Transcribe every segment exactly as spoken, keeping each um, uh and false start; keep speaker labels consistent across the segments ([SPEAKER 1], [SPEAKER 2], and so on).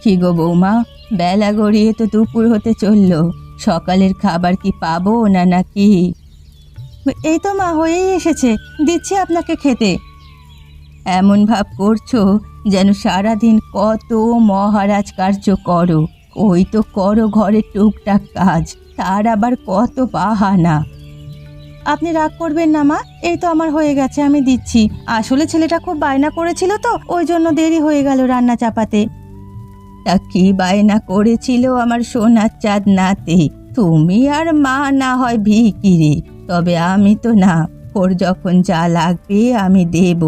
[SPEAKER 1] কি গো বৌমা, বেলা গড়িয়ে তো দুপুর হতে চললো, সকালের খাবার কি পাবো না নাকি? এই তো মা, হয়েই এসেছে, দিচ্ছি আপনাকে খেতে। এমন ভাব করছো যেন সারাদিন কত মহারাজ কার্য করো। ওই তো করো ঘরের টুকটাক কাজ, তার আবার কত বাহানা। আপনি রাগ করবেন না মা, এই তো আমার হয়ে গেছে, আমি দিচ্ছি। আসলে ছেলেটা খুব বায়না করেছিল তো, ওই জন্য দেরি হয়ে গেল রান্না চাপাতে। তা কি বায়না করেছিল আমার সোনার চাঁদ নাতি? তুমি আর মা না হয় ভিখিরি, তবে আমি তো না। ওর যখন যা লাগবে আমি দেব।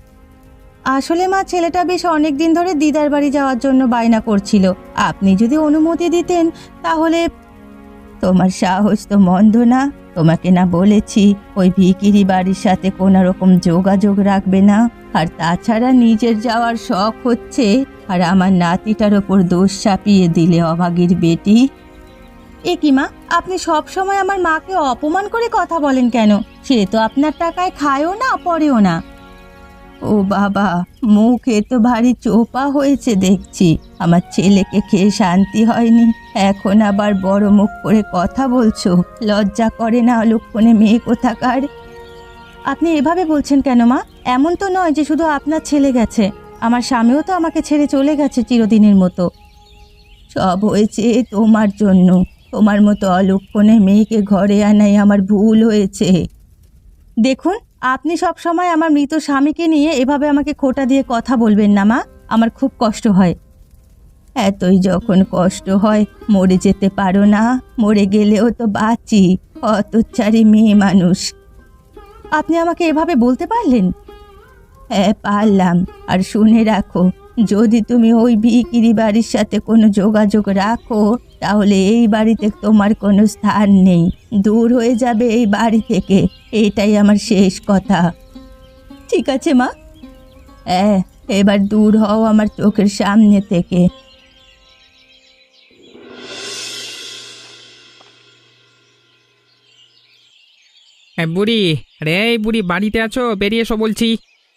[SPEAKER 1] আসলে মা, ছেলেটা বেশ অনেক দিন ধরে দিদার বাড়ি যাওয়ার জন্য বায়না করছিল। আপনি যদি অনুমতি দিতেন তাহলে। তোমার সাহস তো মন্দ না। তোমাকে না বলেছি ওই ভিখিরি বাড়ির সাথে কোনো রকম যোগাযোগ রাখবে না? আর তাছাড়া নিজের যাওয়ার শখ হচ্ছে, আর আমার নাতিটার ওপর দোষ চাপিয়ে দিলে অভাগীর বেটি। এ কি মা, আপনি সব সময় আমার মাকে অপমান করে কথা বলেন কেন? সে তো আপনার টাকায় খায়ও না, পড়েও না। ও বাবা, মুখে তো ভারী চোপা হয়েছে দেখছি। আমার ছেলেকে খেয়ে শান্তি হয়নি, এখন আবার বড় মুখ করে কথা বলছো। লজ্জা করে না অলক্ষণে মেয়ে কোথাকার? আপনি এভাবে বলছেন কেন মা? এমন তো নয় যে শুধু আপনার ছেলে গেছে, আমার স্বামীও তো আমাকে ছেড়ে চলে গেছে চিরদিনের মতো। সব হয়েছে তোমার জন্য। তোমার মতো অলক্ষণে মেয়েকে ঘরে আনাই আমার ভুল হয়েছে। দেখুন, আপনি সব সময় আমার মৃত স্বামীকে নিয়ে এভাবে আমাকে খোঁটা দিয়ে কথা বলবেন না মা, আমার খুব কষ্ট হয়। এতই যখন কষ্ট হয় মরে যেতে পারো না? মরে গেলেও তো বাঁচি, হতচ্ছাড়ি মেয়ে মানুষ। আপনি আমাকে এভাবে বলতে পারলেন? হ্যাঁ পারলাম। আর শুনে রাখো, যদি তুমি ওই ভিখিরি বাড়ির সাথে কোনো যোগাযোগ রাখো তাহলে এই বাড়িতে তোমার কোনো স্থান নেই। দূর হয়ে যাবে এই বাড়ি থেকে, এটাই আমার শেষ কথা। ঠিক আছে মা। হ্যাঁ, এবার দূর হও আমার চোখের সামনে থেকে।
[SPEAKER 2] হ্যাঁ বুড়ি, রে এই বুড়ি বাড়িতে আছো? বেরিয়ে এসো বলছি।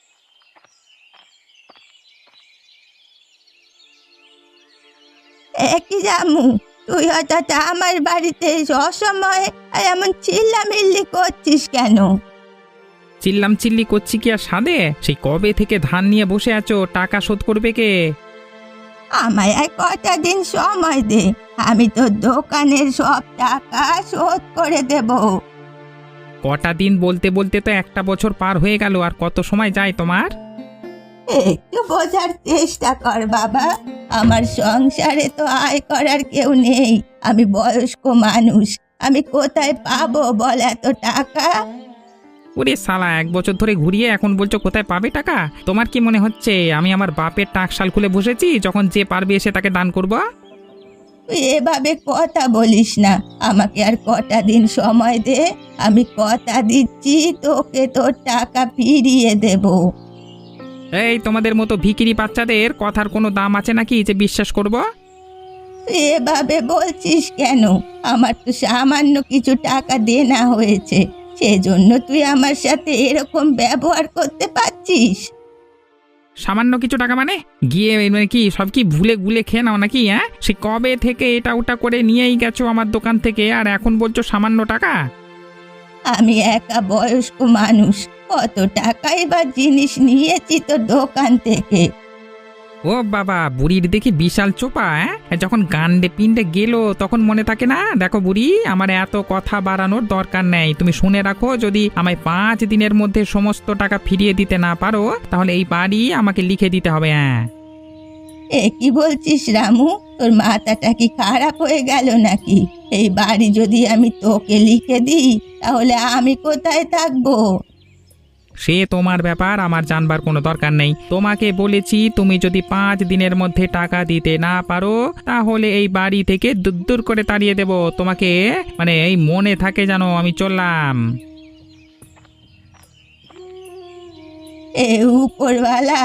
[SPEAKER 1] একই জামু, তুই হঠাৎ আমার বাড়িতে অসময়ে আর এমন চিল্লামিল্লি করছিস কেন?
[SPEAKER 2] চিল্লাম চিল্লি করছি কি আর সাধে? সেই কবে থেকে ধান নিয়ে বসে আছো, টাকা শোধ করবে কে?
[SPEAKER 1] আমায় আর কটা দিন সময় দে, আমি তো দোকানের সব টাকা শোধ করে দেব।
[SPEAKER 2] কটা দিন বলতে বলতে তো একটা বছর পার হয়ে গেল, আর কত সময় যায় তোমার?
[SPEAKER 1] একটু বোঝার চেষ্টা কর বাবা, আমার সংসারে তো আয় করার কেউ নেই। আমি বয়স্ক মানুষ, আমি কোথায় পাবো বল এত টাকা?
[SPEAKER 2] ওরে শালা, এক বছর ধরে ঘুরিয়ে এখন বলছো কোথায় পাবে টাকা? তোমার কি মনে হচ্ছে আমি আমার বাপের টাকশাল খুলে বসেছি, যখন যে পারবে এসে তাকে দান করবো?
[SPEAKER 1] তুই এভাবে কথা বলিস না, আমাকে আর কটা দিন সময় দে। আমি কথা দিচ্ছি তোকে তোর টাকা ফিরিয়ে দেব।
[SPEAKER 2] এই তোমাদের মতো ভিখিরি বাচ্চাদের কথার কোনো দাম আছে নাকি যে বিশ্বাস করব?
[SPEAKER 1] তুই এভাবে বলছিস কেন? আমার তো সামান্য কিছু টাকা দেনা হয়েছে, সেজন্য তুই আমার সাথে এরকম ব্যবহার করতে পারছিস?
[SPEAKER 2] সামান্য কিছু টাকা মানে? গিয়ে মানে কি সব কি ভুলে গুলে খেয়ে নাও নাকি? হ্যাঁ, সে কবে থেকে এটা ওটা করে নিয়েই গেছো আমার দোকান থেকে, আর এখন বলছো সামান্য টাকা?
[SPEAKER 1] আমি একা বয়স্ক মানুষ, কত টাকাই বা জিনিস নিয়েছি তো দোকান থেকে।
[SPEAKER 2] ও বাবা, বুড়ির দেখি বিশাল চোপা। হ্যাঁ, যখন গান্ডে পিণ্ডে গেল তখন মনে থাকে না? দেখো বুড়ি, আমার এত কথা বাড়ানোর দরকার নেই। তুমি শুনে রাখো, যদি আমায় পাঁচ দিনের মধ্যে সমস্ত টাকা ফিরিয়ে দিতে না পারো তাহলে এই বাড়ি আমাকে লিখে দিতে হবে। হ্যাঁ।
[SPEAKER 1] এ কি বলছিস রামু? তোর মাথাটা কি খারাপ হয়ে গেল নাকি? এই বাড়ি যদি আমি তোকে লিখে দিই তাহলে আমি কোথায় থাকবো?
[SPEAKER 2] সে তোমার ব্যাপার, আমার জানবার কোনো দরকার নেই। তোমাকে বলেছি, তুমি যদি পাঁচ দিনের মধ্যে টাকা দিতে না পারো তাহলে এই বাড়ি থেকে দূর দূর করে তাড়িয়ে দেব তোমাকে। মানে এই মনে থাকে জানো, আমি চললাম।
[SPEAKER 1] এ উপরওয়ালা,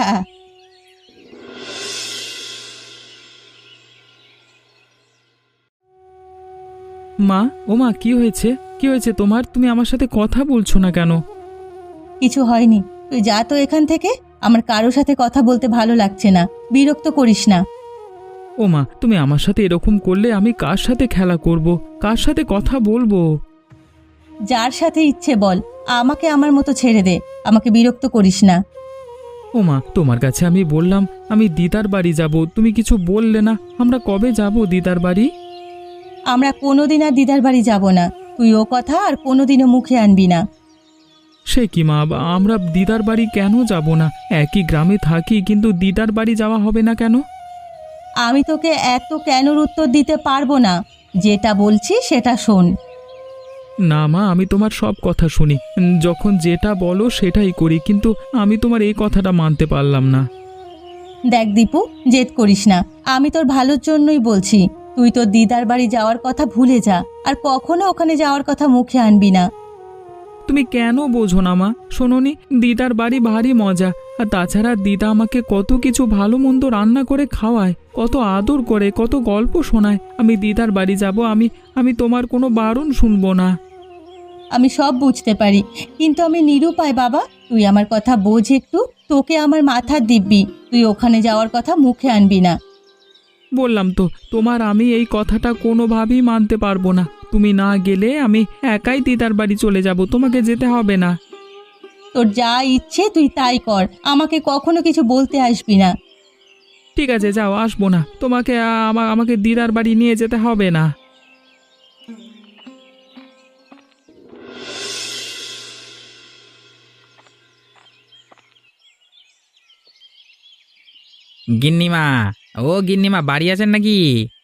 [SPEAKER 3] মা, ও মা, কি হয়েছে? কি হয়েছে তোমার? তুমি আমার সাথে কথা বলছো না কেন?
[SPEAKER 1] কিছু হয়নি, তুই যা তো এখান থেকে। আমার কারোর সাথে কথা বলতে ভালো লাগছে না, বিরক্ত করিস না।
[SPEAKER 3] ও মা, তুমি আমার সাথে এরকম করলে আমি কার সাথে খেলা করব, কার সাথে কথা বলবো?
[SPEAKER 1] যার সাথে ইচ্ছে বল, আমাকে আমার মতো ছেড়ে দে, আমাকে বিরক্ত করিস না।
[SPEAKER 3] ও মা, তোমার কাছে আমি বললাম আমি দিদার বাড়ি যাব, তুমি কিছু বললে না। আমরা কবে যাব দিদার বাড়ি?
[SPEAKER 1] আমরা কোনোদিন আর দিদার বাড়ি যাব না, তুই ও কথা আর কোনোদিনও মুখে আনবি না।
[SPEAKER 3] সে কি মা, আমরা দিদার বাড়ি কেন যাব না? একই গ্রামে থাকি, কিন্তু দিদার বাড়ি যাওয়া হবে না কেন?
[SPEAKER 1] আমি তোকে এত কেনর উত্তর দিতে পারবো না, যেটা বলছি সেটা শোন।
[SPEAKER 3] না মা, আমি তোমার সব কথা শুনি, উম, যখন যেটা বলো সেটাই করি, কিন্তু আমি তোমার এই কথাটা মানতে পারলাম না।
[SPEAKER 1] দেখ দীপু, জেদ করিস না, আমি তোর ভালোর জন্যই বলছি। তুই তোর দিদার বাড়ি যাওয়ার কথা ভুলে যা, আর কখনো ওখানে যাওয়ার কথা মুখে আনবি না।
[SPEAKER 3] তুমি কেন বোঝো না মা? শোনোনি, দিদার বাড়ি ভারী মজা। আর তাছাড়া দিদা আমাকে কত কিছু ভালো মন্দ রান্না করে খাওয়ায়, কত আদর করে, কত গল্প শোনায়। আমি দিদার বাড়ি যাব, আমি আমি তোমার কোনো বারণ শুনবো না।
[SPEAKER 1] আমি সব বুঝতে পারি, কিন্তু আমি নিরুপায় বাবা। তুই আমার কথা বোঝ একটু, তোকে আমার মাথার দিব্যি, তুই ওখানে যাওয়ার কথা মুখে আনবি না।
[SPEAKER 3] বললাম তো, তোমার আমি এই কথাটা কোনোভাবেই মানতে পারবো না। তুমি না গেলে আমি একাই দিদার বাড়ি চলে যাব, তোমাকে যেতে হবে না।
[SPEAKER 1] তোর যা ইচ্ছে তুই তাই কর, আমাকে কখনো কিছু বলতে আসবি না।
[SPEAKER 3] ঠিক আছে, যাও, আসবো না। তোমাকে আ, আমা- আমাকে দিদার বাড়ি নিয়ে যেতে হবে না।
[SPEAKER 2] গিন্নিমা, ও গিন্নিমা, বাড়ি আছেন নাকি?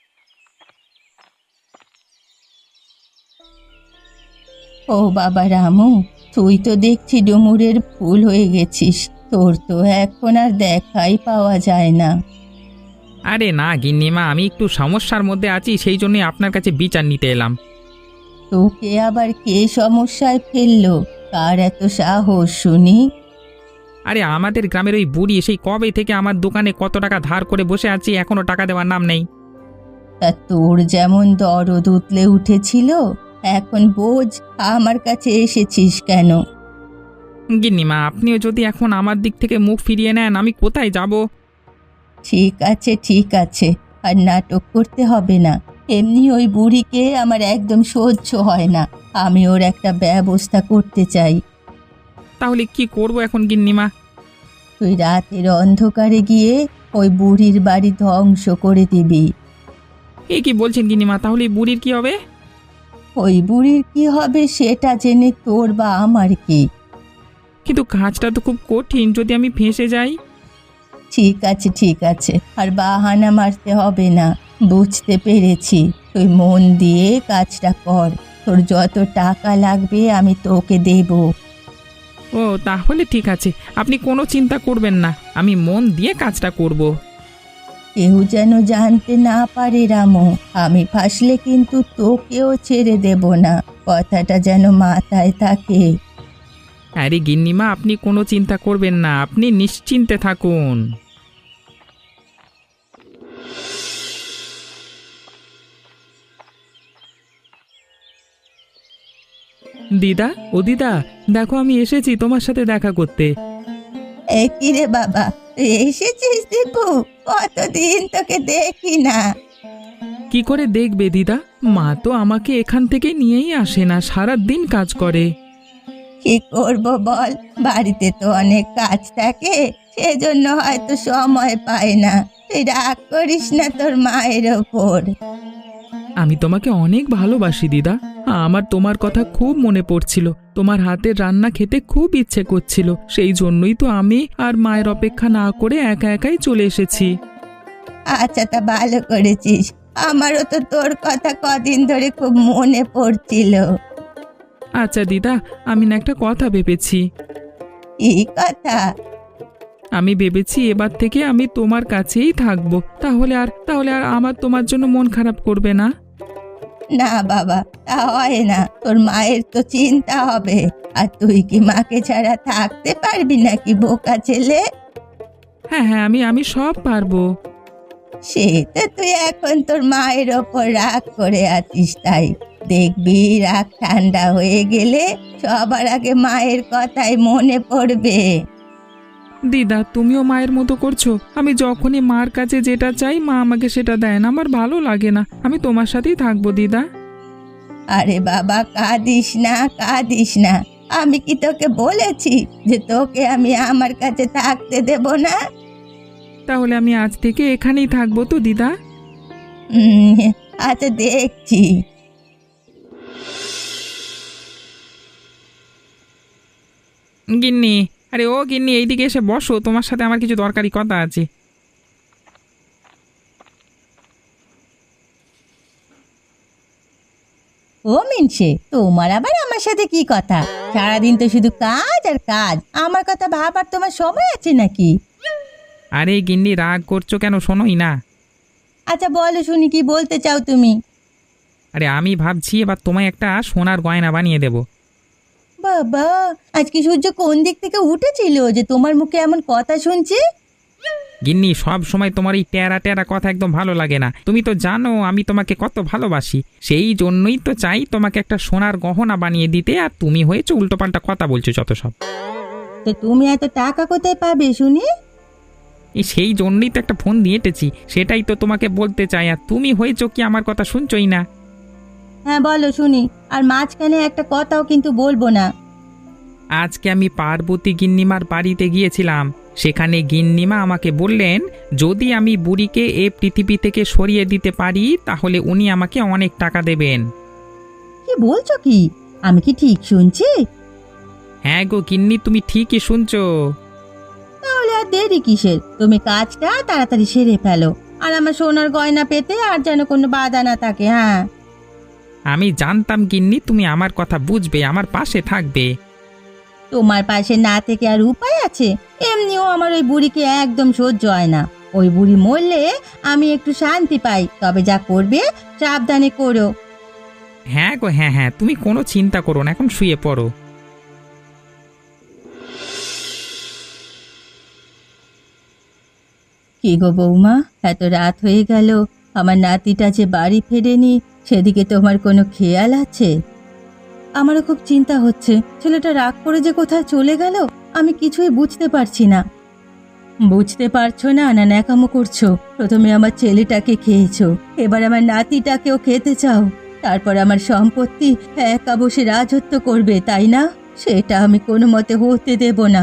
[SPEAKER 1] ও বাবা রামু, তুই তো দেখছি ডুমুরের ফুল হয়ে গেছিস, তোর তো এখন আর দেখাই পাওয়া যায় না।
[SPEAKER 2] আরে না গিন্নিমা, আমি একটু সমস্যার মধ্যে আছি, সেই জন্যই আপনার কাছে বিচার নিতে এলাম।
[SPEAKER 1] তোকে আবার কে সমস্যায় ফেললো? কার এত সাহস শুনি?
[SPEAKER 2] আরে আমাদের গ্রামের ওই বুড়ি সেই কবে থেকে আমার দোকানে কত টাকা ধার করে বসে আছি, এখনো টাকা দেওয়ার নাম নেই।
[SPEAKER 1] তা তোর যেমন দরদ উতলে উঠেছিল, এখন বোঝ আমার কাছে এসেছিস কেন?
[SPEAKER 2] গিন্নিমা, আপনিও যদি এখন আমার দিক থেকে মুখ ফিরিয়ে নেন, আমি কোথায় যাব?
[SPEAKER 1] ঠিক আছে ঠিক আছে, আর নাটক করতে হবে না। এমনি ওই বুড়িকে আমার একদম সহ্য হয় না, আমি ওর একটা ব্যবস্থা করতে চাই।
[SPEAKER 2] তাহলে কি করব এখন গিন্নিমা?
[SPEAKER 1] তুই রাতের অন্ধকারে গিয়ে ওই বুড়ির বাড়ি ধ্বংস করে দিবি।
[SPEAKER 2] এ কি বলছেন গিন্নিমা? তাহলে এই বুড়ির কি হবে?
[SPEAKER 1] ওই বুড়ির কি হবে সেটা জেনে তোর বা আমার কি?
[SPEAKER 2] কিন্তু কাজটা তো খুব কঠিন, যদি আমি ফেঁসে যাই।
[SPEAKER 1] ঠিক আছে ঠিক আছে, আর বাহানা মারতে হবে না, বুঝতে পেরেছি। তুই মন দিয়ে কাজটা কর, তোর যত টাকা লাগবে আমি তোকে দেব।
[SPEAKER 2] ও তাহলে ঠিক আছে, আপনি কোনো চিন্তা করবেন না, আমি মন দিয়ে কাজটা করব।
[SPEAKER 1] কেউ যেন জানতে না পারে রামু, আমি ফাঁসলে কিন্তু তোকেও ছেড়ে দেব না, কথাটা যেন মাথায় থাকে।
[SPEAKER 2] আরে গিন্নিমা, আপনি কোনো চিন্তা করবেন না, আপনি নিশ্চিন্তে থাকুন।
[SPEAKER 3] দিদা, ও দিদা, দেখো আমি এসেছি তোমার সাথে দেখা করতে।
[SPEAKER 1] এ কি রে বাবা, তুই এসেছিস দীপু? কতদিন তোকে দেখি না।
[SPEAKER 3] কি করে দেখবে দিদা, মা তো আমাকে এখান থেকে নিয়েই আসে না, সারা দিন কাজ করে।
[SPEAKER 1] কি করব বল, বাড়িতে তো অনেক কাজ থাকে, সেজন্য হয়তো সময় পায় না। তুই রাগ করিস না তোর মায়ের ওপর।
[SPEAKER 3] আমি তোমাকে অনেক ভালোবাসি দিদা, আমার তোমার কথা খুব মনে পড়ছিল, তোমার হাতের রান্না খেতে খুব ইচ্ছে করছিল, সেই জন্যই তো আমি আর মায়ের অপেক্ষা না করে একা একাই চলে এসেছি।
[SPEAKER 1] আচ্ছা, তা ভালো করেছিস, আমারও তো তোর কথা কদিন ধরে খুব মনে পড়ছিল।
[SPEAKER 3] আচ্ছা দিদা, আমি না একটা কথা ভেবেছি।
[SPEAKER 1] কি কথা?
[SPEAKER 3] আমি ভেবেছি এবার থেকে আমি তোমার কাছেই থাকবো, তাহলে আর তাহলে আর আমার তোমার জন্য মন খারাপ করবে না।
[SPEAKER 1] না বাবা, তা হয় না, তোর মায়ের তো চিন্তা হবে, আর তুই কি মাকে ছাড়া থাকতে পারবি নাকি বোকা ছেলে?
[SPEAKER 3] হ্যাঁ হ্যাঁ, আমি আমি সব পারবো।
[SPEAKER 1] সে তো তুই এখন তোর মায়ের ওপর রাগ করে আছিস, তাই দেখবি রাগ ঠান্ডা হয়ে গেলে সবার আগে মায়ের কথাই মনে পড়বে।
[SPEAKER 3] দিদা তুমিও মায়ের মতো করছো। আমি যখনই মার কাছে যেটা চাই মা আমাকে সেটা দেয় না, আমার ভালো লাগে না। আমি তোমার সাথেই থাকবো দিদা।
[SPEAKER 1] আরে বাবা, কাঁদিস না কাঁদিস না। আমি কি তোকে বলেছি যে তোকে আমি আমার কাছে থাকতে দেব না?
[SPEAKER 3] তাহলে আমি আজ থেকে এখানেই থাকবো তো দিদা?
[SPEAKER 1] হুম, আচ্ছা দেখছি।
[SPEAKER 2] গিন্নি, আরে ও গিন্নি, এইদিকে এসে বসো, তোমার সাথে আমার কিছু দরকারি কথা আছে।
[SPEAKER 1] ও মিনসে, তোমার আবার আমার সাথে কি কথা? সারাদিন তো শুধু কাজ আর কাজ, আমার কথা ভাবার তোমার সময় আছে নাকি?
[SPEAKER 2] আরে গিন্নি, রাগ করছো কেন? শোনোই না।
[SPEAKER 1] আচ্ছা বলো শুনি, কি বলতে চাও তুমি?
[SPEAKER 2] আরে আমি ভাবছি এবার তোমায় একটা সোনার গয়না বানিয়ে দেব।
[SPEAKER 1] বাবা, আজকে সূর্য কোন দিক থেকে উঠেছিল যে তোমার মুখে এমন কথা শুনছি?
[SPEAKER 2] গিন্নি, সব সময় তোমার এই টেরা টেরা কথা একদম ভালো লাগে না। তুমি তো জানো আমি তোমাকে কত ভালোবাসি, সেই জন্যই তো চাই তোমাকে একটা সোনার গহনা বানিয়ে দিতে, আর তুমি হয়েছে উল্টোপাল্টা কথা বলছো যত সব।
[SPEAKER 1] তো তুমি এত টাকা কোথায় পাবে শুনি?
[SPEAKER 2] এই সেই জন্যই তো একটা ফোন দিয়ে এঁটেছি, সেটাই তো তোমাকে বলতে চাই, আর তুমি হয়েছো কি আমার কথা শুনছই না।
[SPEAKER 1] হ্যাঁ বলো শুনি, আর মাঝখানে একটা কথাও কিন্তু বলবো না।
[SPEAKER 2] আজকে আমি পার্বতী গিন্নিমার বাড়িতে গিয়েছিলাম, সেখানে গিন্নিমা আমাকে বললেন যদি আমি বুড়িকে এ পৃথিবী থেকে সরিয়ে দিতে পারি তাহলে উনি আমাকে অনেক টাকা দেবেন।
[SPEAKER 1] কি বলছো কি? আমি কি ঠিক শুনছি?
[SPEAKER 2] হ্যাঁ গো গিন্নি, তুমি ঠিকই শুনছো।
[SPEAKER 1] তাহলে আর দেরি কিসের? তুমি কাজটা তাড়াতাড়ি সেরে ফেলো, আর আমার সোনার গয়না পেতে আর যেন কোনো বাধা না থাকে। হ্যাঁ,
[SPEAKER 2] আমি জানতাম গিন্নি তুমি আমার কথা বুঝবে, আমার পাশে থাকবে।
[SPEAKER 1] তোমার পাশে না থেকে আর উপায় আছে? এমনিও আমার ওই বুড়িকে একদম সহ্য হয় না। ওই বুড়ি মরলে আমি একটু শান্তি পাই, তবে যা করবে সাবধানে করো।
[SPEAKER 2] হ্যাঁ গো হ্যাঁ হ্যাঁ, তুমি কোনো চিন্তা করো না, এখন শুয়ে পড়ো।
[SPEAKER 1] কি গো বৌমা, এত রাত হয়ে গেল, আমার নাতিটা যে বাড়ি ফেরেনি, সেদিকে তোমার কোনো খেয়াল আছে? আমারও খুব চিন্তা হচ্ছে, ছেলেটা রাগ করে যে কোথায় চলে গেল আমি কিছুই বুঝতে পারছি না। বুঝতে পারছো না না ন্যাকামো করছো? প্রথমে আমার ছেলেটাকে খেয়েছো, এবার আমার নাতিটাকেও খেতে চাও, তারপর আমার সম্পত্তি একা বসে রাজত্ব করবে, তাই না? সেটা আমি কোনো মতে হতে দেব না।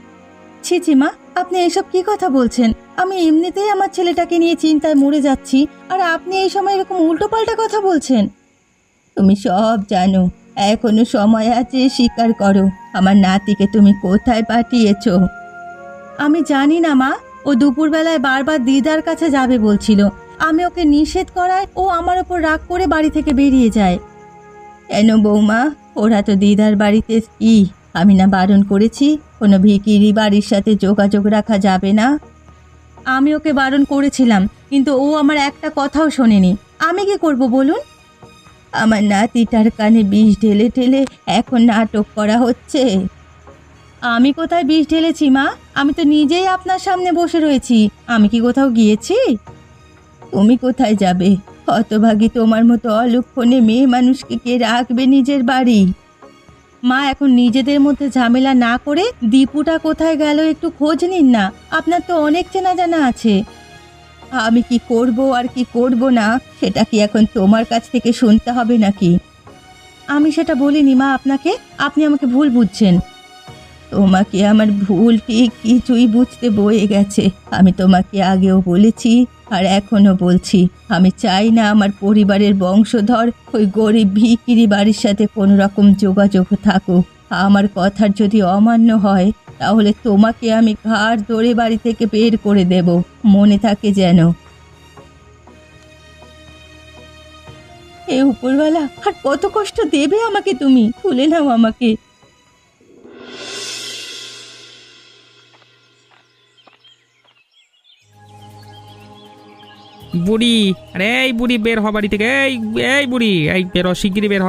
[SPEAKER 1] ছি ছি মা, আপনি এসব কি কথা বলছেন? আমি এমনিতেই আমার ছেলেটাকে নিয়ে চিন্তায় মরে যাচ্ছি, আর আপনি এই সময় এরকম উল্টোপাল্টা কথা বলছেন। তুমি সব জানো, এখনো সময় আছে, স্বীকার করো, আমার নাতিকে তুমি কোথায় পাঠিয়েছো? আমি জানি না মা, ও দুপুরবেলায় বারবার দিদার কাছে যাবে বলছিল, আমি ওকে নিষেধ করায় ও আমার ওপর রাগ করে বাড়ি থেকে বেরিয়ে যায়। কেন বৌমা, ওরা তো দিদার বাড়িতে কি? আমি না বারণ করেছি কোনো ভিখিরি বাড়ির সাথে যোগাযোগ রাখা যাবে না? আমি ওকে বারণ করেছিলাম, কিন্তু ও আমার একটা কথাও শোনেনি। আমি কি করব বলুন? আমার নাতিটার কানে বিষ ঢেলে ঢেলে এখন নাটক করা হচ্ছে। আমি কোথায় বিষ ঢেলেছি মা? আমি তো নিজেই আপনার সামনে বসে রয়েছি, আমি কি কোথাও গিয়েছি? তুমি কোথায় যাবে? হতভাগী তোমার মতো অলক্ষণে মেয়ে মানুষকে কে রাখবে নিজের বাড়ি? মা, এখন নিজেদের মধ্যে ঝামেলা না করে দীপুটা কোথায় গেল একটু খোঁজ নিন না, আপনার তো অনেক চেনা জানা আছে। আমি কি করব আর কি করব না সেটা কি এখন তোমার কাছ থেকে শুনতে হবে নাকি? আমি সেটা বলিনি মা আপনাকে, আপনি আমাকে ভুল বুঝছেন। তোমাকে আমার ভুল ঠিক কিছুই বুঝতে বয়ে গেছে। আমি তোমাকে আগেও বলেছি আর এখনো বলছি, আমি চাই না আমার পরিবারের বংশধর ওই গরিব ভিখিরি বাড়ির সাথে কোনো রকম যোগাযোগ থাকুক। আমার কথার যদি অমান্য হয় তাহলে তোমাকে আমি ঘাড় ধরে বাড়ি থেকে বের করে দেব, মনে থাকে যেন। এ উপরওয়ালা, আর কত কষ্ট দেবে আমাকে তুমি? তুলে নাও আমাকে।
[SPEAKER 2] বুড়ি, আরে এই বুড়ি বের হ বাড়ি থেকে, এই এই বুড়ি, এই বের হ, শিগগিরই বের হ।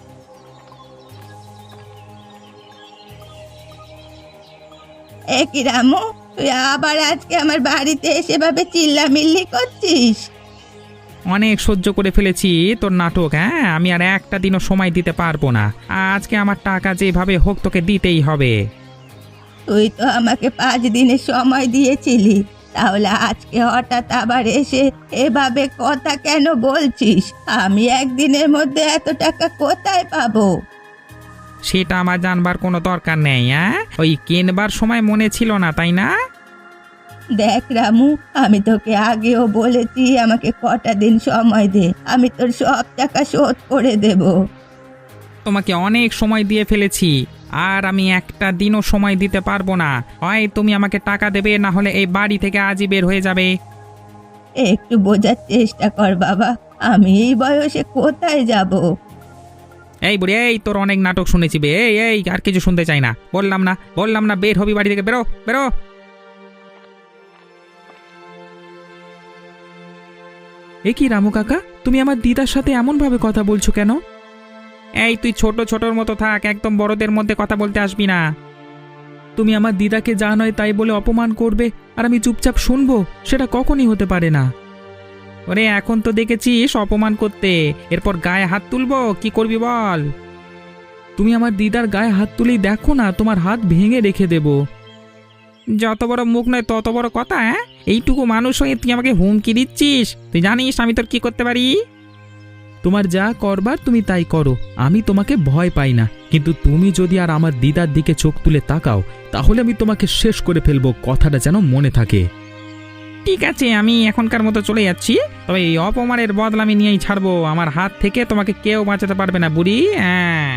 [SPEAKER 1] এ কি রামু, তুই আবার আজকে আমার বাড়িতে এসে ভাবে চিল্লামিল্লি করছিস?
[SPEAKER 2] অনেক সহ্য করে ফেলেছি তোর নাটক। হ্যাঁ, আমি আর একটা দিনও সময় দিতে পারবো না, আজকে আমার টাকা যেভাবে হোক তোকে দিতেই হবে।
[SPEAKER 1] তুই তো আমাকে পাঁচ দিনের সময় দিয়েছিলি, তাহলে আজকে হঠাৎ আবার এসে এভাবে কথা কেন বলছিস? আমি একদিনের মধ্যে এত টাকা কোথায় পাবো?
[SPEAKER 2] সেটা আমার জানবার কোনো দরকার নেই। হ্যাঁ, ওই কেনবার সময় মনে ছিল না, তাই না?
[SPEAKER 1] দেখ রামু, আমি তোকে আগেও বলেছি আমাকে কটা দিন সময় দে, আমি তোর সব টাকা শোধ করে দেব।
[SPEAKER 2] তোমাকে অনেক সময় দিয়ে ফেলেছি, আর আমি একটা দিনও সময় দিতে পারবো না। হয় তুমি আমাকে টাকা দেবে, না হলে এই বাড়ি থেকে আজই বের হয়ে যাবে।
[SPEAKER 1] একটু বোঝার চেষ্টা কর বাবা, আমি এই বয়সে কোথায় যাব?
[SPEAKER 2] এই বুড়ি, এই তোর অনেক নাটক শুনেছি বে। এই এই আর কিছু শুনতে চাই না। বললাম না বললাম না বের হবি বাড়ি থেকে, বেরো বেরো।
[SPEAKER 3] এ কি রামু কাকা, তুমি আমার দিদার সাথে এমন ভাবে কথা বলছো কেন?
[SPEAKER 2] এই তুই ছোট ছোটর মতো থাক, একদম বড়দের মধ্যে কথা বলতে আসবি না।
[SPEAKER 3] তুমি আমার দিদাকে যা নয় তাই বলে অপমান করবে আর আমি চুপচাপ শুনবো, সেটা কখনই হতে পারে না।
[SPEAKER 2] ওরে এখন তো দেখেছিস অপমান করতে, এরপর গায়ে হাত তুলবো, কি করবি বল?
[SPEAKER 3] তুমি আমার দিদার গায়ে হাত তুলেই দেখো না, তোমার হাত ভেঙে রেখে দেব।
[SPEAKER 2] যত বড় মুখ নয় তত বড় কথা। হ্যাঁ, এইটুকু মানুষ হয়ে তুই আমাকে হুমকি দিচ্ছিস? তুই জানিস আমি তোর কি করতে পারি?
[SPEAKER 3] তোমার যা করবার তুমি তাই করো, আমি তোমাকে ভয় পাই না। কিন্তু তুমি যদি আর আমার দিদার দিকে চোখ তুলে তাকাও, তাহলে আমি তোমাকে শেষ করে ফেলবো, কথাটা যেন মনে থাকে।
[SPEAKER 2] ঠিক আছে, আমি এখনকার মতো চলে যাচ্ছি, তবে এই অপমানের বদলা আমি নিয়েই ছাড়বো। আমার হাত থেকে তোমাকে কেউ বাঁচাতে পারবে না বুড়ি। হ্যাঁ,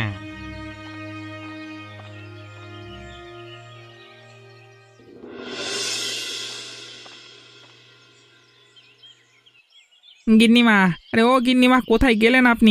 [SPEAKER 2] গিন্নিমা, আরে ও গিন্নিমা, কোথায় গেলেন আপনি?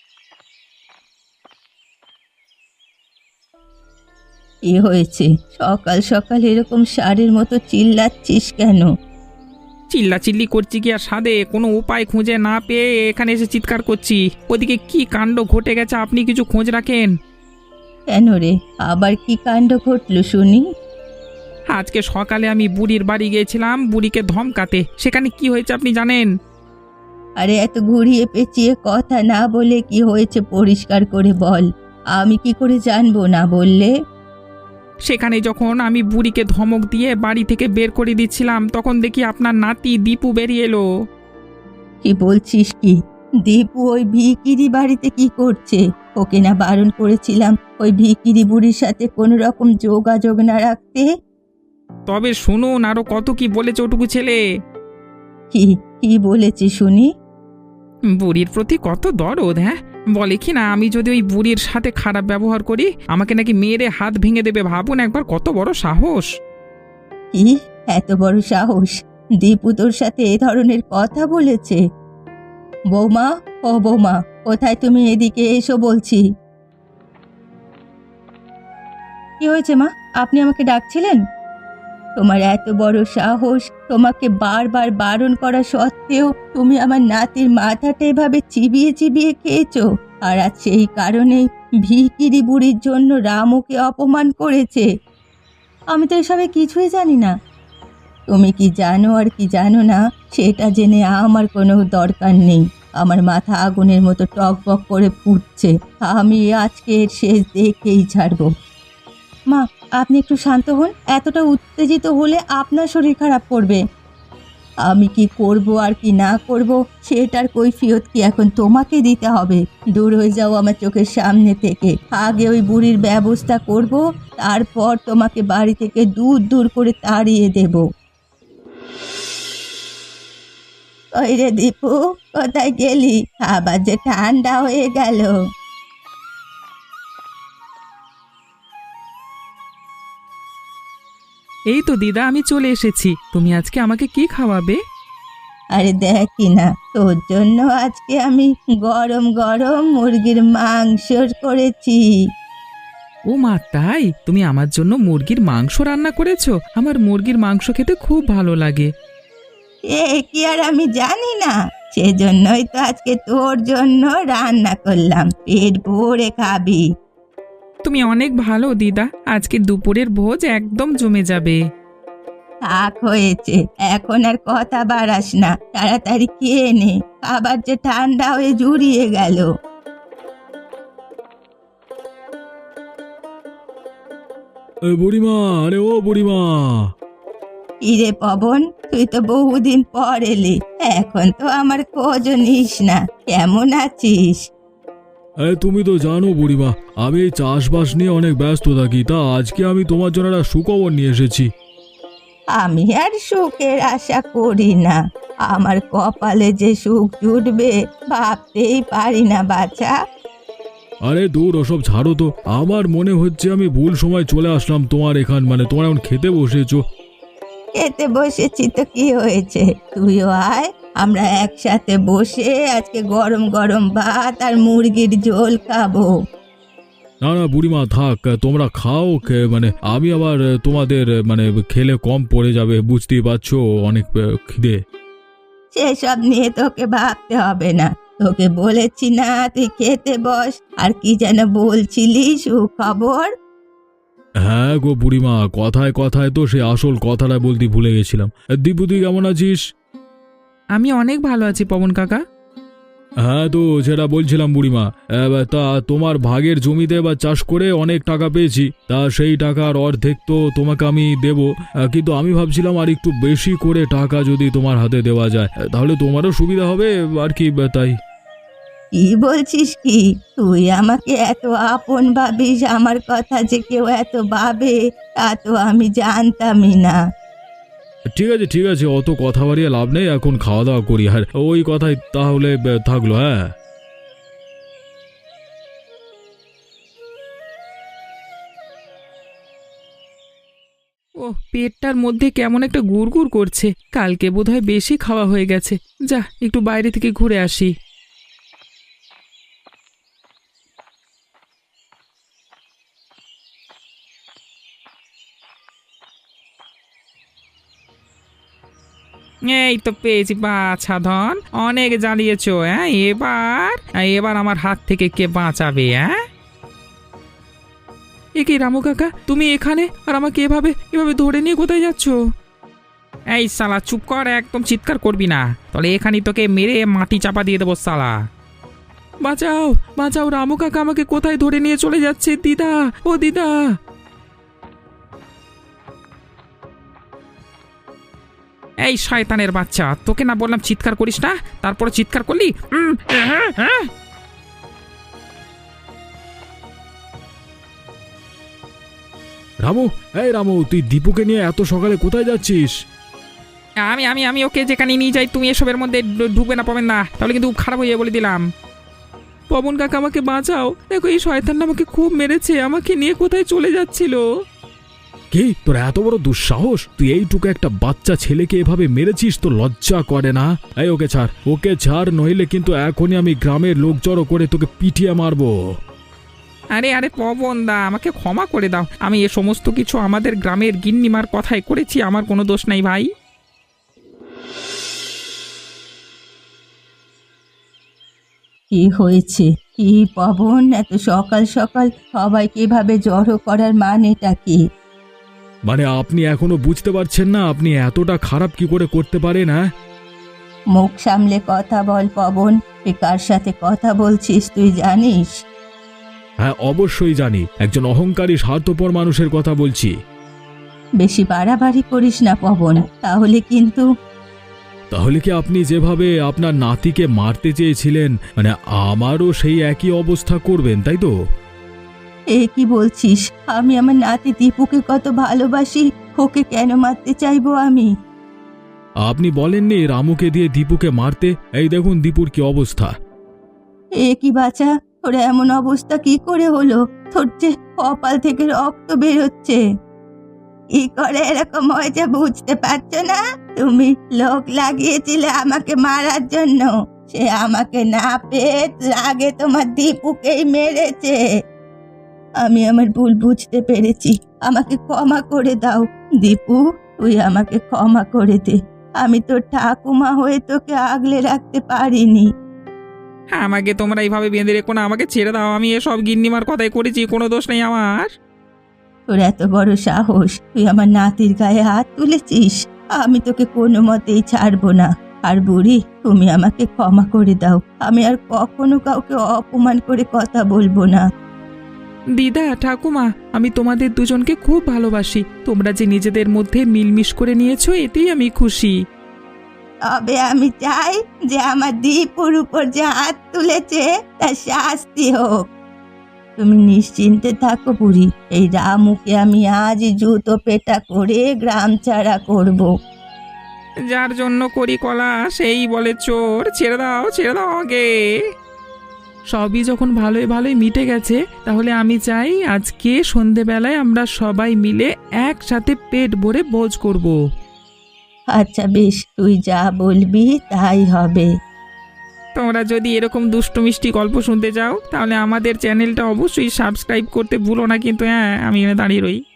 [SPEAKER 1] কি হয়েছে? সকাল সকাল এরকম ষাঁড়ের মতো চিল্লাচ্ছিস কেন?
[SPEAKER 2] চিল্লা চিল্লি করছি কি আর সাধে? কোনো উপায় খুঁজে না পেয়ে এখানে এসে চিৎকার করছি। ওদিকে কি কাণ্ড ঘটে গেছে, আপনি কিছু খোঁজ রাখেন?
[SPEAKER 1] কেন রে, আবার কি কাণ্ড ঘটলো শুনি?
[SPEAKER 2] আজকে সকালে আমি বুড়ির বাড়ি গিয়েছিলাম বুড়িকে ধমকাতে। সেখানে কি হয়েছে আপনি জানেন?
[SPEAKER 1] আরে এত ঘুরিয়ে পেঁচিয়ে কথা না বলে কি হয়েছে পরিষ্কার করে বল, আমি কি করে জানবো না বললে?
[SPEAKER 2] সেখানে যখন আমি বুড়িকে ধমক দিয়ে বাড়ি থেকে বের করে দিচ্ছিলাম, তখন দেখি আপনার নাতি দীপু বেরিয়ে এলো।
[SPEAKER 1] কি বলছিস কি? দীপু ওই ভিকিরি বাড়িতে কি করছে? ওকে না বারণ করেছিলাম ওই ভিকিরি বুড়ির সাথে কোনো রকম যোগাযোগ না রাখতে?
[SPEAKER 2] তবে শুনুন, আরো কত কি বলেছে ওটুকু ছেলে।
[SPEAKER 1] কি কি বলেছি শুনি?
[SPEAKER 2] বুড়ির প্রতি কত দরদ। হ্যাঁ, বলে কি না আমি যদি ওই বুড়ির সাথে খারাপ ব্যবহার করি, আমাকে নাকি মেরে হাত ভেঙে দেবে। ভাবুন একবার, কত বড় সাহস!
[SPEAKER 1] কি এত বড় সাহস? দীপু তোর সাথে এ ধরনের কথা বলেছে? বৌমা, ও বৌমা, কোথায় তুমি? এদিকে এসো বলছি। কি হয়েছে মা, আপনি আমাকে ডাকছিলেন? তোমার এত বড় সাহস, তোমাকে বারবার বারণ করা সত্ত্বেও তুমি আমার নাতির মাথাটা এভাবে চিবিয়ে চিবিয়ে খেয়েছো। আর আজ সেই কারণেই ভিকিরি বুড়ির জন্য রামুকে অপমান করেছে। আমি তো এসবে কিছুই জানি না। তুমি কি জানো আর কি জানো না সেটা জেনে আমার কোনো দরকার নেই। আমার মাথা আগুনের মতো টকবক করে ফুটছে। আমি আজকে এর শেষ দেখেই ছাড়বো। মা, আপনি একটু শান্ত হন। এতটা উত্তেজিত হলে আপনার শরীর খারাপ করবে। আমি কি করব আর কি না করব সেটার কৈফিয়ত কি এখন তোমাকে দিতে হবে? দূর হয়ে যাও আমার চোখের সামনে থেকে। আগে ওই বুড়ির ব্যবস্থা করব, তারপর তোমাকে বাড়ি থেকে দূর দূর করে তাড়িয়ে দেব। ওই রে দীপু, কোথায় গেলি? আবার যে ঠান্ডা হয়ে গেল।
[SPEAKER 3] এই তো দিদা, আমি চলে এসেছি। তুমি আজকে আমাকে কি খাওয়াবে?
[SPEAKER 1] আরে দেখি না, তোর জন্য আজকে আমি গরম গরম মুরগির মাংস করেছি।
[SPEAKER 3] ও মা, তাই? তুমি আমার জন্য মুরগির মাংস রান্না করেছো? আমার মুরগির মাংস খেতে খুব ভালো লাগে।
[SPEAKER 1] এ কি আর আমি জানি না? সেজন্যই তো আজকে তোর জন্য রান্না করলাম, পেট ভরে খাবি।
[SPEAKER 2] তুমি অনেক ভালো দিদা, আজকে দুপুরের ভোজ একদম জমে যাবে।
[SPEAKER 1] থাক হয়েছে, এখন আর কথা বাড়াস না, তাড়াতাড়ি খেয়ে নে, আবার যে ঠান্ডা হয়ে জুড়িয়ে গেল।
[SPEAKER 4] এ বুড়িমা, আরে ও বুড়িমা!
[SPEAKER 1] ইরে পবন, তুই তো বহুদিন পর এলি, এখন তো আমার খোঁজও নিস না। কেমন আছিস?
[SPEAKER 4] এ তুমি তো জানো বুড়িমা, আমি এই চাষবাস নিয়ে অনেক ব্যস্ত থাকি। তা আজকে আমি তোমার জন্য একটা সুখবর নিয়ে এসেছি।
[SPEAKER 1] আমি আর সুখের আশা করি না। আমার কপালে যে সুখ জুটবে ভাবতেই পারি না বাছা।
[SPEAKER 4] আরে দূর, ওসব ছাড়ো তো। আমার মনে হচ্ছে আমি ভুল সময় চলে আসলাম তোমার এখান, মানে তোমার এখন খেতে বসেছো।
[SPEAKER 1] খেতে বসেছি তো কি হয়েছে, তুইও আয়, আমরা একসাথে বসে আজকে গরম গরম ভাত আর মুরগির ঝোল খাবো।
[SPEAKER 4] না না বুড়িমা, থাক, তোমরা খাও। খে- মানে আমি আবার তোমাদের মানে খেলে কম পড়ে যাবে, বুঝতেই পারছো, অনেক আহ, খিদে।
[SPEAKER 1] সেসব নিয়ে তোকে ভাবতে হবে না, তোকে বলেছি না তুই খেতে বস। আর কি যেন বলছিলি সুখবর?
[SPEAKER 4] হ্যাঁ গো বুড়িমা, কথায় কথায় তো সে আসল কথাটা বলতে ভুলে গেছিলাম। দীপু, তুই কেমন আছিস?
[SPEAKER 3] আমি অনেক ভালো আছি পবন কাকা।
[SPEAKER 4] হ্যাঁ, তো যেটা বলছিলাম বুড়িমা, এবার তা তোমার ভাগের জমিতে বা চাষ করে অনেক টাকা পেয়েছি। তা সেই টাকার অর্ধেক তো তোমাকে আমি দেব, আহ, কিন্তু আমি ভাবছিলাম আর একটু বেশি করে টাকা যদি তোমার হাতে দেওয়া যায় তাহলে তোমারও সুবিধা হবে আর কি, আহ, তাই।
[SPEAKER 1] কি বলছিস কি? তুই আমাকে এত আপন ভাবিস, আমার কথা যে কেউ এত ভাবে তা তো আমি জানতামই না।
[SPEAKER 4] ঠিক আছে ঠিক আছে, অত কথা বাড়িয়ে লাভ নেই, এখন খাওয়া দাওয়া করি। আর ওই কথাই তাহলে আহ, থাকলো। হ্যাঁ,
[SPEAKER 3] ও পেটটার মধ্যে কেমন একটা গুড়গুড় করছে, কালকে বোধহয় বেশি খাওয়া হয়ে গেছে। যা একটু বাইরে থেকে ঘুরে আসি।
[SPEAKER 2] এই তো পেয়েছি বাছা ধন, অনেক জ্বালিয়েছো। হ্যাঁ, এবার এবার আমার হাত থেকে কে বাঁচাবে? হ্যাঁ,
[SPEAKER 3] এ কি রামু কাকা, তুমি এখানে আর আমাকে এভাবে এভাবে ধরে নিয়ে কোথায় যাচ্ছ?
[SPEAKER 2] এই শালা চুপ কর, একদম চিৎকার করবি না, তাহলে এখানে তোকে মেরে মাটি চাপা দিয়ে দেবো শালা।
[SPEAKER 3] বাঁচাও বাঁচাও, রামু কাকা আমাকে কোথায় ধরে নিয়ে চলে যাচ্ছে? দিদা, ও দিদা!
[SPEAKER 2] এই শয়তানের বাচ্চা, তোকে না বললাম চিৎকার করিস না, তারপরে চিৎকার করলি। উম, হ্যাঁ, হ্যাঁ।
[SPEAKER 4] রামু, এই রামু, তুই দীপুকে নিয়ে এত সকালে কোথায় যাচ্ছিস?
[SPEAKER 2] আমি আমি আমি ওকে যেখানে নিয়ে যাই তুমি এসবের মধ্যে ঢু- ঢুকবে না পাবেন না, তাহলে কিন্তু খারাপ হয়ে যাবে বলে দিলাম।
[SPEAKER 3] পবন কাকা আমাকে বাঁচাও, দেখো এই শয়তানটা আমাকে খুব মেরেছে, আমাকে নিয়ে কোথায় চলে যাচ্ছিল।
[SPEAKER 4] কি, তোর এত বড় দুঃসাহস? তুই এইটুকু একটা বাচ্চা ছেলেকে এভাবে মেরেছিস, তো লজ্জা করে না? এই ওকে ছাড়, ওকে ছাড়, নইলে কিন্তু এখনই আমি গ্রামের লোক জড়ো করে তোকে পিটিয়ে মারবো।
[SPEAKER 2] আরে আরে পবন দা, আমাকে ক্ষমা করে দাও, আমি এ সমস্ত কিছু আমাদের গ্রামের গিন্নিমার কথাই করেছি, আমার কোনো দোষ নাই ভাই।
[SPEAKER 1] কি হয়েছে? কি পবন, এত সকাল সকাল সবাইকে এভাবে জড়ো করার মানেটা কি?
[SPEAKER 4] মানে আপনি এখনো বুঝতে পারছেন না আপনি এতটা খারাপ কি করে করতে পারেন? হ্যাঁ,
[SPEAKER 1] মুখ সামলে কথা বল পবন, তুই কার সাথে কথা বলছিস তুই জানিস?
[SPEAKER 4] হ্যাঁ অবশ্যই জানি, একজন অহংকারী স্বার্থপর মানুষের কথা বলছি।
[SPEAKER 1] বেশি বাড়াবাড়ি করিস না পবন, তাহলে কিন্তু।
[SPEAKER 4] তাহলে কি আপনি যেভাবে আপনার নাতিকে মারতে চেয়েছিলেন, মানে আমারও সেই একই অবস্থা করবেন, তাই তো?
[SPEAKER 1] এ কি বলছিস? আমি আমার নাতি দীপুকে কত ভালোবাসি, ওকে কেন মারতে চাইবো আমি?
[SPEAKER 4] আপনি বলেননি রামুকে দিয়ে দীপুকে মারতে? এই দেখুন দীপুর কি অবস্থা।
[SPEAKER 1] এ কি বাছা, তোর এমন অবস্থা কি করে হলো? তোর যে কপাল থেকে রক্ত বেরোচ্ছে। কি করে এরকম হয়েছে বুঝতে পারছো না? তুমি লোক লাগিয়েছিলে আমাকে মারার জন্য, সে আমাকে না পেয়ে আগে তোমার দীপুকেই মেরেছে। আমি আমার ভুল বুঝতে পেরেছি, আমাকে ক্ষমা করে দাও। দীপু, তুই আমাকে ক্ষমা করে দে, আমি তোর ঠাকুমা হয়ে তোকে আগলে রাখতে পারিনি।
[SPEAKER 2] আমাকে তোমরা এইভাবে বেঁধে রেখো না, আমাকে ছেড়ে দাও, আমি এসব গিন্নিমার কথাই করেছি, কোনো দোষ নেই আমার।
[SPEAKER 1] তোর এত বড় সাহস, তুই আমার নাতির গায়ে হাত তুলেছিস? আমি তোকে কোনো মতেই ছাড়বো না। আর বুড়ি, তুমি আমাকে ক্ষমা করে দাও, আমি আর কখনো কাউকে অপমান করে কথা বলবো না।
[SPEAKER 3] দিদা ঠাকুমা, আমি তোমাদের দুজনকে খুব ভালোবাসি। তোমরা যে নিজেদের মধ্যে মিলমিশ করে নিয়েছো এতেই আমি খুশি।
[SPEAKER 1] তবে আমি চাই যে আমার দীপুর উপর যে হাত তুলেছে তার শাস্তি হোক। তুমি নিশ্চিন্তে থাকো বুড়ি, এই রামুকে আমি আজ জুতো পেটা করে গ্রাম ছাড়া করব।
[SPEAKER 2] যার জন্য করি কলা সেই বলে চোর, ছেড়ে দাও ছেড়ে দাও আগে।
[SPEAKER 3] সবই যখন ভালোই ভালোই মিটে গেছে, তাহলে আমি চাই আজকে সন্ধেবেলায় আমরা সবাই মিলে একসাথে পেট ভরে ভোজ করব।
[SPEAKER 1] আচ্ছা বেশ, তুই যা বলবি তাই হবে।
[SPEAKER 2] তোমরা যদি এরকম দুষ্টু মিষ্টি গল্প শুনতে চাও তাহলে আমাদের চ্যানেলটা অবশ্যই সাবস্ক্রাইব করতে ভুলো না কিন্তু। হ্যাঁ, আমি এখানে দাঁড়িয়ে রই।